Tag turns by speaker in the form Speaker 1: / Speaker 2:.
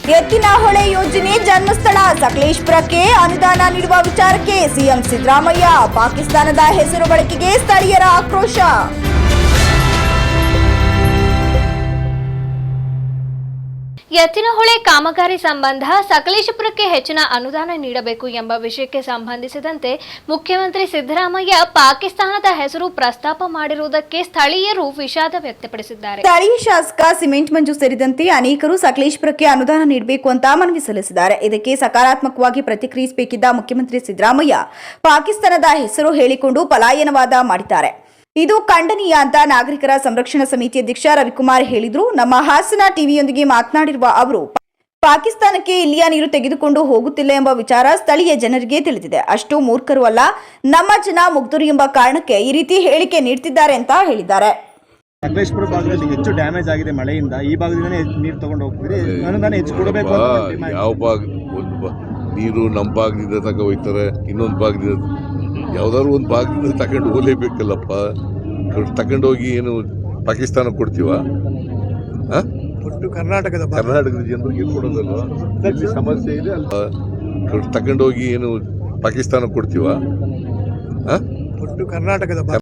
Speaker 1: ಎತ್ತಿನಹೊಳೆ ಯೋಜನೆ ಜನ್ಮಸ್ಥಳ ಸಕಲೇಶಪುರಕ್ಕೆ ಅನುದಾನ ನೀಡುವ ವಿಚಾರಕ್ಕೆ ಸಿಎಂ ಸಿದ್ದರಾಮಯ್ಯ ಪಾಕಿಸ್ತಾನದ ಹೆಸರು ಬಳಕೆಗೆ ಸ್ಥಳೀಯರ ಆಕ್ರೋಶ.
Speaker 2: ಎತ್ತಿನಹೊಳೆ ಕಾಮಗಾರಿ ಸಂಬಂಧ ಸಕಲೇಶಪುರಕ್ಕೆ ಹೆಚ್ಚಿನ ಅನುದಾನ ನೀಡಬೇಕು ಎಂಬ ವಿಷಯಕ್ಕೆ ಸಂಬಂಧಿಸಿದಂತೆ ಮುಖ್ಯಮಂತ್ರಿ ಸಿದ್ದರಾಮಯ್ಯ ಪಾಕಿಸ್ತಾನದ ಹೆಸರು ಪ್ರಸ್ತಾಪ ಮಾಡಿರುವುದಕ್ಕೆ ಸ್ಥಳೀಯರು ವಿಷಾದ ವ್ಯಕ್ತಪಡಿಸಿದ್ದಾರೆ.
Speaker 1: ಸ್ಥಳೀಯ ಶಾಸಕ ಸಿಮೆಂಟ್ ಮಂಜು ಸೇರಿದಂತೆ ಅನೇಕರು ಸಕಲೇಶಪುರಕ್ಕೆ ಅನುದಾನ ನೀಡಬೇಕು ಅಂತ ಮನವಿ ಸಲ್ಲಿಸಿದ್ದಾರೆ. ಇದಕ್ಕೆ ಸಕಾರಾತ್ಮಕವಾಗಿ ಪ್ರತಿಕ್ರಿಯಿಸಬೇಕಿದ್ದ ಮುಖ್ಯಮಂತ್ರಿ ಸಿದ್ದರಾಮಯ್ಯ ಪಾಕಿಸ್ತಾನದ ಹೆಸರು ಹೇಳಿಕೊಂಡು ಪಲಾಯನವಾದ ಮಾಡಿದ್ದಾರೆ. ಇದು ಖಂಡನೀಯ ಅಂತ ನಾಗರಿಕರ ಸಂರಕ್ಷಣಾ ಸಮಿತಿ ಅಧ್ಯಕ್ಷ ರವಿಕುಮಾರ್ ಹೇಳಿದ್ರು. ನಮ್ಮ ಹಾಸನ ಟಿವಿಯೊಂದಿಗೆ ಮಾತನಾಡಿರುವ ಅವರು, ಪಾಕಿಸ್ತಾನಕ್ಕೆ ಇಲ್ಲಿಯ ನೀರು ತೆಗೆದುಕೊಂಡು ಹೋಗುತ್ತಿಲ್ಲ ಎಂಬ ವಿಚಾರ ಸ್ಥಳೀಯ ಜನರಿಗೆ ತಿಳಿದಿದೆ. ಅಷ್ಟು ಮೂರ್ಖರು ಅಲ್ಲ, ನಮ್ಮ ಜನ ಮುಗ್ಧರು ಎಂಬ ಕಾರಣಕ್ಕೆ ಈ ರೀತಿ ಹೇಳಿಕೆ ನೀಡುತ್ತಿದ್ದಾರೆ ಅಂತ ಹೇಳಿದ್ದಾರೆ.
Speaker 3: ಸಕಲೇಶಪುರ ಭಾಗದಲ್ಲಿ ಹೆಚ್ಚು ಡ್ಯಾಮೇಜ್ ಆಗಿದೆ ಮಳೆಯಿಂದ. ಈ ಭಾಗದಿಂದನೇ ನೀರು ತಗೊಂಡು ಹೋಗ್ತೀರಿ, ಅನುದಾನ ಹೆಚ್ಚು ಕೊಡಬೇಕು.
Speaker 4: ಯಾವ ಭಾಗ ನೀರು ನಮ್ಮ ಭಾಗದಿಂದ ತಗ ಹೋಯ್ತಾರೆ, ಇನ್ನೊಂದು ಭಾಗದಿಂದ ಯಾವ್ದಾದ್ರು ಒಂದು ಭಾಗದಿಂದ ತಗೊಂಡು ಹೋಗ್ಲೇಬೇಕಲ್ಲಪ್ಪ. ತಗೊಂಡೋಗಿ ಏನು ಪಾಕಿಸ್ತಾನ ಕೊಡ್ತೀವ? ಕರ್ನಾಟಕದ ಜನರಿಗೆ ಕೊಡೋದಲ್ವ? ಸಮಸ್ಯೆ ಇದೆ ಅಲ್ಲ. ತಗೊಂಡೋಗಿ ಏನು ಪಾಕಿಸ್ತಾನ ಕೊಡ್ತೀವ? ಕರ್ನಾಟಕದ